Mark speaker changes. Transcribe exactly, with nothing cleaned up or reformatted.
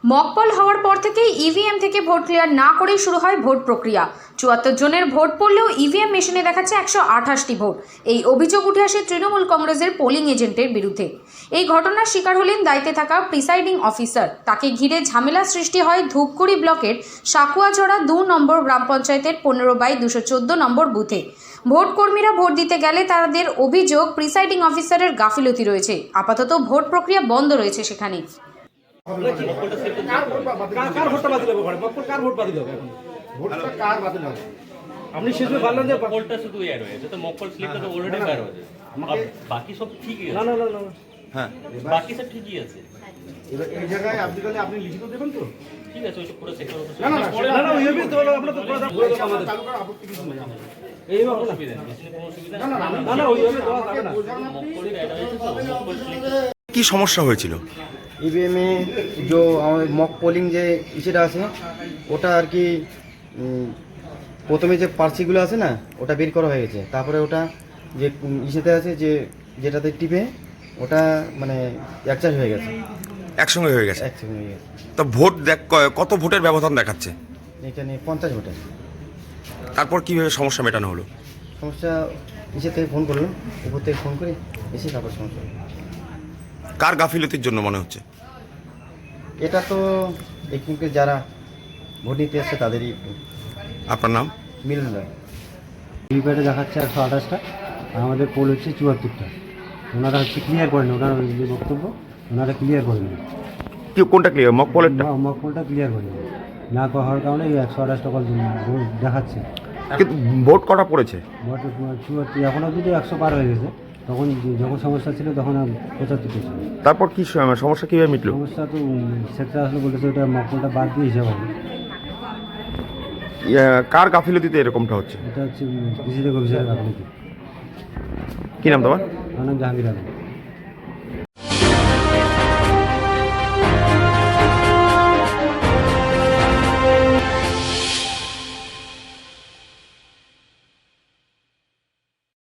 Speaker 1: Mock poll হওয়ার পর থেকেই ইভিএম থেকে ভোট ক্লিয়ার না করেই শুরু হয় ভোট প্রক্রিয়া। চুয়াত্তর জনের ভোট পড়লেও ইভিএম মেশিনে দেখাচ্ছে একশো আঠাশটি ভোট। এই অভিযোগ উঠে আসে তৃণমূল কংগ্রেসের পোলিং এজেন্টের বিরুদ্ধে। এই ঘটনার শিকার হলেন দায়িত্বে থাকা প্রিসাইডিং অফিসার। তাকে ঘিরে ঝামেলা সৃষ্টি হয় ধূপগুড়ি ব্লকের সাকুয়াঝড়া দু নম্বর গ্রাম পঞ্চায়েতের পনেরো বাই দুশো চোদ্দ নম্বর বুথে। ভোট কর্মীরা ভোট দিতে গেলে তাদের অভিযোগ প্রিসাইডিং অফিসারের গাফিলতি রয়েছে। আপাতত ভোট প্রক্রিয়া বন্ধ রয়েছে সেখানে।
Speaker 2: আপনি শেষে বললেন যে মকপলটা শুধু এর হয়েছে, তো মকপল স্লিপটা তো অলরেডি বের হয়েছে, বাকি সব ঠিকই আছে। না না না না হ্যাঁ, বাকি সব ঠিকই আছে।
Speaker 3: এবার এই জায়গায় আপনি গেলে আপনি লিখিত দেবেন তো?
Speaker 2: ঠিক আছে, ওইটা পুরো চেক করব।
Speaker 3: না না না না ওইভাবে তো আমরা তো কথা বলতে আমাদের
Speaker 2: তালুকার আপত্তি কিছু নেই আমাদের। এই অসুবিধা নেই, কোনো অসুবিধা
Speaker 3: না না
Speaker 2: না না ওইভাবে দেওয়া যাবে না। মকপলটা এড হয়েছে তো মকপল স্লিপ।
Speaker 4: কি সমস্যা হয়েছিল?
Speaker 5: ईवीएम में जो মক পোলিং যে ইসেটা আছে ওটা আর কি প্রথমে যে পার্সিগুলো আছে না ওটা বের করা হয়ে গেছে, তারপরে ওটা যে ইসেতে আছে যে যেটাতে টিপে ওটা মানে একচার হয়ে গেছে,
Speaker 4: একসঙ্গে হয়ে গেছে।
Speaker 5: একসঙ্গে হয়ে গেছে।
Speaker 4: তো ভোট দেখ কত ভোটের ব্যবধান দেখাচ্ছে?
Speaker 5: এখানে পঞ্চাশ ভোটের।
Speaker 4: তারপর কিভাবে সমস্যা মেটানো হলো?
Speaker 5: সমস্যা ইসে থেকে ফোন করলাম, উপর থেকে ফোন করে এসে তারপর সমস্যা।
Speaker 4: কার গাফিলতির জন্য মনে হচ্ছে?
Speaker 5: এটা তো এখানকে যারা ভোট নিতে এসছে তাদেরই।
Speaker 4: আপনার নাম?
Speaker 5: মিলন রায়।
Speaker 6: ভিভিপ্যাটে দেখাচ্ছে একশো আঠাশটা আর আমাদের পোল হচ্ছে চুয়াত্তরটা। ওনারা হচ্ছে ক্লিয়ার করেন, ওনারা যে বক্তব্য ওনারা ক্লিয়ার করেন,
Speaker 4: কি কোনটা ক্লিয়ার? মক পলেরটা?
Speaker 6: মক পোলটা ক্লিয়ার করেন না হওয়ার কারণে এই একশো আঠাশটা কল দেখাচ্ছে।
Speaker 4: কিন্তু ভোট কটা পড়েছে?
Speaker 6: ভোট চুয়াত্তর এখন অবধি তো একশো পার হয়ে গেছে, তখন যখন সমস্যা ছিল তখন পঁচাত্তর ছিল।
Speaker 4: তারপর কি সমস্যা কিভাবে মিটলো?
Speaker 6: সমস্যা তো সেক্টর আসলে বলতেছে ওটা মক পোলটা বাদ দিয়ে হিসাব হবে।
Speaker 4: কার গাফিলতিতে এরকমটা হচ্ছে?
Speaker 6: এটা হচ্ছে কৃষি থেকে অফিসারের গাফিলতি।
Speaker 4: কি নাম তোমার?
Speaker 6: আমার নাম জাহাঙ্গীর আলম।